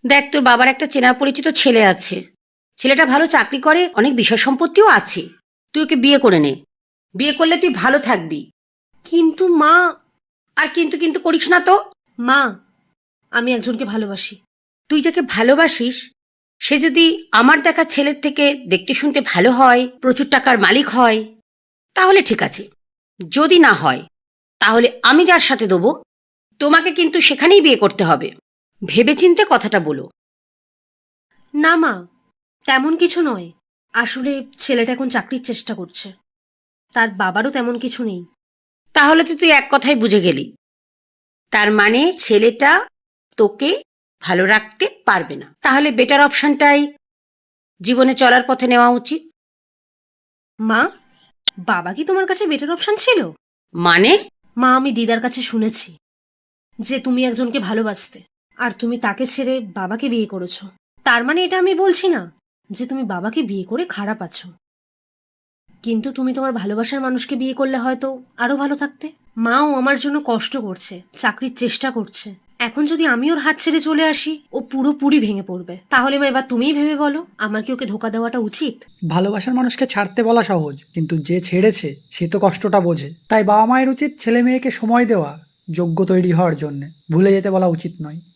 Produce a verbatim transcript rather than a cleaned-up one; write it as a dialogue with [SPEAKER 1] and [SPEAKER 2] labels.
[SPEAKER 1] দেখ, তোর বাবার একটা চেনা পরিচিত ছেলে আছে। ছেলেটা ভালো চাকরি করে, অনেক বিষয় সম্পত্তিও আছে। তুই ওকে বিয়ে করে নে। বিয়ে করলে তুই ভালো থাকবি।
[SPEAKER 2] কিন্তু মা।
[SPEAKER 1] আর কিন্তু কিন্তু করিস না তো।
[SPEAKER 2] মা, আমি একজনকে ভালোবাসি।
[SPEAKER 1] তুই যাকে ভালোবাসিস সে যদি আমার দেখা ছেলের থেকে দেখতে শুনতে ভালো হয়, প্রচুর টাকার মালিক হয়, তাহলে ঠিক আছে। যদি না হয়, তাহলে আমি যার সাথে দেবো তোমাকে কিন্তু সেখানেই বিয়ে করতে হবে। ভেবেচিন্তে কথাটা বলো।
[SPEAKER 2] না মা, তেমন কিছু নয়। আসলে ছেলেটা এখন চাকরির চেষ্টা করছে, তার বাবারও তেমন কিছু নেই।
[SPEAKER 1] তাহলে তো তুই এক কথাই বুঝে গেলি, তার মানে ছেলেটা তোকে ভালো রাখতে পারবে না। তাহলে বেটার অপশনটাই জীবনে চলার পথে নেওয়া উচিত।
[SPEAKER 2] মা, বাবা কি তোমার কাছে বেটার অপশন ছিল?
[SPEAKER 1] মানে?
[SPEAKER 2] মা, আমি দিদার কাছে শুনেছি যে তুমি একজনকে ভালোবাসতে, আর তুমি তাকে ছেড়ে বাবাকে বিয়ে করেছো। তার মানে এটা আমি বলছি না যে তুমি বাবাকে বিয়ে করে খারাপ আছো, কিন্তু তুমি তোমার ভালোবাসার মানুষকে বিয়ে করলে হয়তো আরো ভালো থাকতে। মাও আমার জন্য কষ্ট করছে, চাকরির চেষ্টা করছে। এখন যদি আমি ওর হাত ছেড়ে চলে আসি, ও পুরোপুরি ভেঙে পড়বে। তাহলে মা, এবার তুমিই ভেবে বলো, আমার কি ওকে ধোকা দেওয়াটা উচিত?
[SPEAKER 3] ভালোবাসার মানুষকে ছাড়তে বলা সহজ, কিন্তু যে ছেড়েছে সে তো কষ্টটা বোঝে। তাই বাবা মায়ের উচিত ছেলে মেয়েকে সময় দেওয়া, যোগ্য তৈরি হওয়ার জন্যে। ভুলে যেতে বলা উচিত নয়।